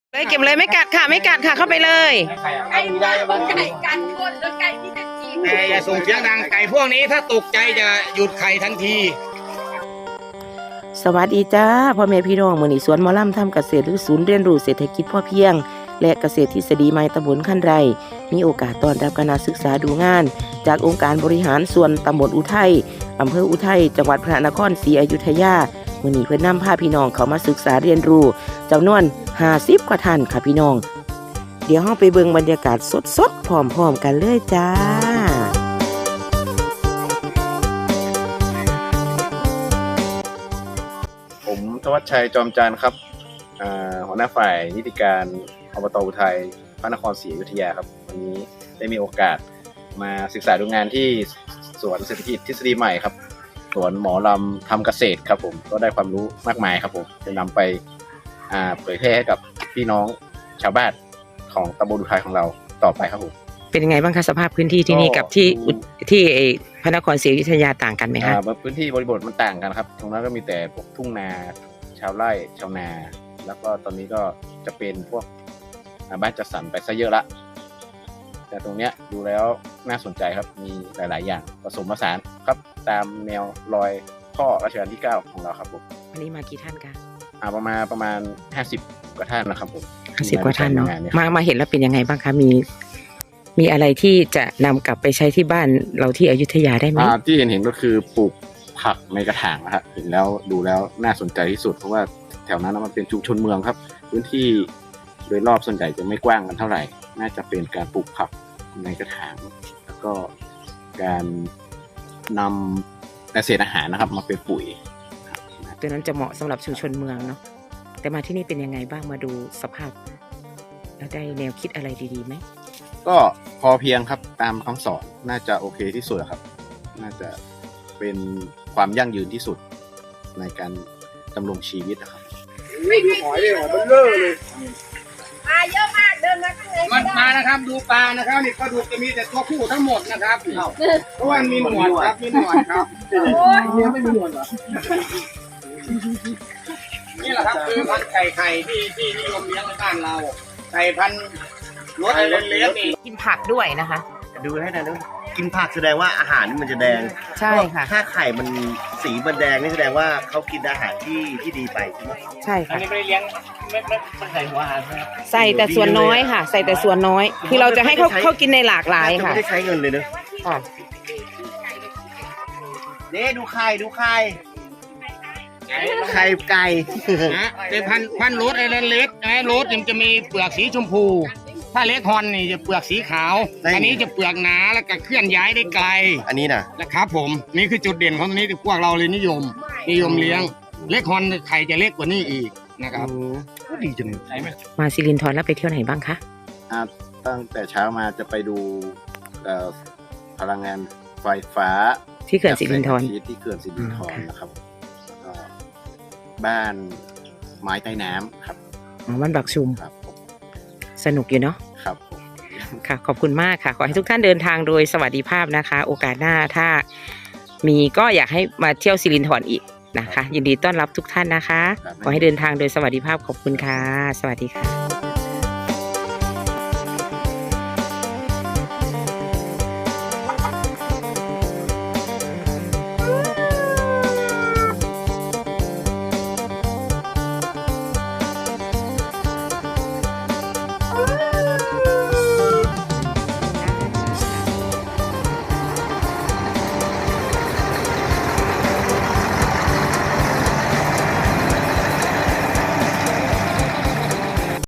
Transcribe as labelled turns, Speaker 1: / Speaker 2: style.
Speaker 1: เลยเก็บเลยไม่กัดค่ะไม่กัดค่ะเข้าไปเลย
Speaker 2: ไก่กันคนแล้วไก่ที่จะจีน
Speaker 3: แต่อย่าส่งเสียงดังไก่พวกนี้ถ้าตกใจจะหยุดไข่ทันที
Speaker 1: สวัสดีจ้าพ่อแม่พี่น้องมื้อนี้สวนหมอลำทำเกษตรหรือศูนย์เรียนรู้เศรษฐกิจพอเพียงและเกษตรทฤษฎีใหม่ตำบลคันไร่มีโอกาสต้อนรับคณะศึกษาดูงานจากองค์การบริหารส่วนตำบลอุทัยอำเภออุทัยจังหวัดพระนครศรีอยุธยามื้อนี้เพิ่นนำพาพี่น้องเข้ามาศึกษาเรียนรู้จำนวน50กว่าท่านค่ะพี่น้องเดี๋ยวเราไปเบิ่งบรรยากาศสดๆพร้อมๆกันเลยจ้า
Speaker 4: ผมธวัชชัยจอมจันทร์ครับหัวหน้าฝ่ายนิติการอบต.อุทัยพระนครศรีอยุธยาครับวันนี้ได้มีโอกาสมาศึกษาดูงานที่สวนเศรษฐกิจทฤษฎีใหม่ครับสวนหมอลำทำเกษตรครับผมก็ได้ความรู้มากมายครับผมจะนำไปเผยแพร่ให้กับพี่น้องชาวบ้านของตำบลอุทัยของเราต่อไปครับผม
Speaker 1: เป็นยังไงบ้างคะสภาพพื้นที่ที่นี่กับที่พระนครศรีอยุธยาต่างกันไหมคะ
Speaker 4: พื้นที่บริบทมันต่างกันครับตรงนั้นก็มีแต่พวกทุ่งนาชาวไร่ชาวนาแล้วก็ตอนนี้ก็จะเป็นพวกบ้านจัดสรรไปซะเยอะละแต่ตรงเนี้ยดูแล้วน่าสนใจครับมีหลายๆอย่างผสมผสานครับตามแนวรอยพ่อรัชกาลที่9ของเราครับผม
Speaker 1: วันนี้มากี่ท่านคะ
Speaker 4: ประมาณ50กว่าท่านนะครับผม
Speaker 1: 50กว่าท่านเนาะมาเห็นแล้วเป็นยังไงบ้างคะมีอะไรที่จะนำกลับไปใช้ที่บ้านเราที่อยุธยาได้ไหม
Speaker 4: ที่เห็นก็คือปลูกผักในกระถางนะครับเห็นแล้วดูแล้วน่าสนใจที่สุดเพราะว่าแถวนั้นมันเป็นชุมชนเมืองครับพื้นที่โดยรอบส่วนใหญ่จะไม่กว้างกันเท่าไหร่น่าจะเป็นการปลูกผักในกระถางแล้วก็การนำเศษอาหารนะครับมาเป็นปุ๋ย
Speaker 1: ตัวนั้นจะเหมาะสำหรับชุมชนเมืองเนาะแต่มาที่นี่เป็นยังไงบ้างมาดูสภาพแล้วได้แนวคิดอะไรดีๆไหม
Speaker 4: ก็พอเพียงครับตามคำสอนน่าจะโอเคที่สุดครับน่าจะเป็นความยั่งยืนที่สุดในการดำรงชีวิตนะครับ
Speaker 3: หอยมันเลิศเลย
Speaker 2: ปลาเยอะมากเดินมาข้างใน
Speaker 3: มันมานะครับดูปลานะครับนี่ปลาดุกจะมีแต่ตัวผู้ทั้งหมดนะครับเพราะว่ามีหนวดครับมีหนวดครับเนี้ยไม่มีหนวดเหรอนี่แหละครับคือพันธุ์ไข่ที่นิยมเลี้ยงในบ้านเราไก่พันธุ์รสเลี้ยงนี่
Speaker 1: กินผักด้วยนะคะ
Speaker 5: ดูให้นะกินผักแสดงว่าอาหารมันจะแดง
Speaker 1: ใช่ค่ะ
Speaker 5: ถ้าไข่มันสีมันแดงนี่แสดงว่าเขากินอาหารที่ดีไปใช่ไหม
Speaker 1: ใช่ค่ะ
Speaker 3: อันนี้ไม่ได้เลี้ยงไม่ใส่หัวอาหารนะครับ
Speaker 1: ใส่แต่ส่วนน้อยค่ะใส่แต่ส่วนน้อยที่เราจะให้เขากินในหลากหลายค่ะ
Speaker 5: ไม่ได้ใช้เงินเลยนะ
Speaker 1: ค่ะ
Speaker 5: ดูไข่ไข่ไก่
Speaker 3: เป็นพันธุ์รสไอ้เล็กไอ้รสมันจะมีเปลือกสีชมพูถ้าเล็กฮอนนี่จะเปลือกสีขาวอันนี้จะเปลือกหนาแล้วก็เคลื่อนย้ายได้ไกล
Speaker 5: อันนี้นะ
Speaker 3: นะครับผมนี่คือจุดเด่นของตัวนี้ที่พวกเราเลยนิยมเลี้ยงเล็กฮอนไข่จะเล็กกว่านี้อีกนะครับก็ดีจังใช่ไหม
Speaker 1: มาสิรินธรแล้วไปเที่ยวไหนบ้างคะ
Speaker 4: ตั้งแต่เช้ามาจะไปดูพลังงานไฟฟ้า
Speaker 1: ที่เขื่อนสิรินธร
Speaker 4: ที่เขื่อนสิรินธรนะครับบ้านไม้ใต้น้ำครับ
Speaker 1: บ้านบักชุม
Speaker 4: ครับ
Speaker 1: สนุกอยู่เนาะ
Speaker 4: ครับ
Speaker 1: ค่ะขอบคุณมากค่ะขอให้ทุกท่านเดินทางโดยสวัสดิภาพนะคะโอกาสหน้าถ้ามีก็อยากให้มาเที่ยวสิรินธรอีกนะคะยินดีต้อนรับทุกท่านนะคะขอให้เดินทางโดยสวัสดิภาพขอบคุณค่ะสวัสดีค่ะ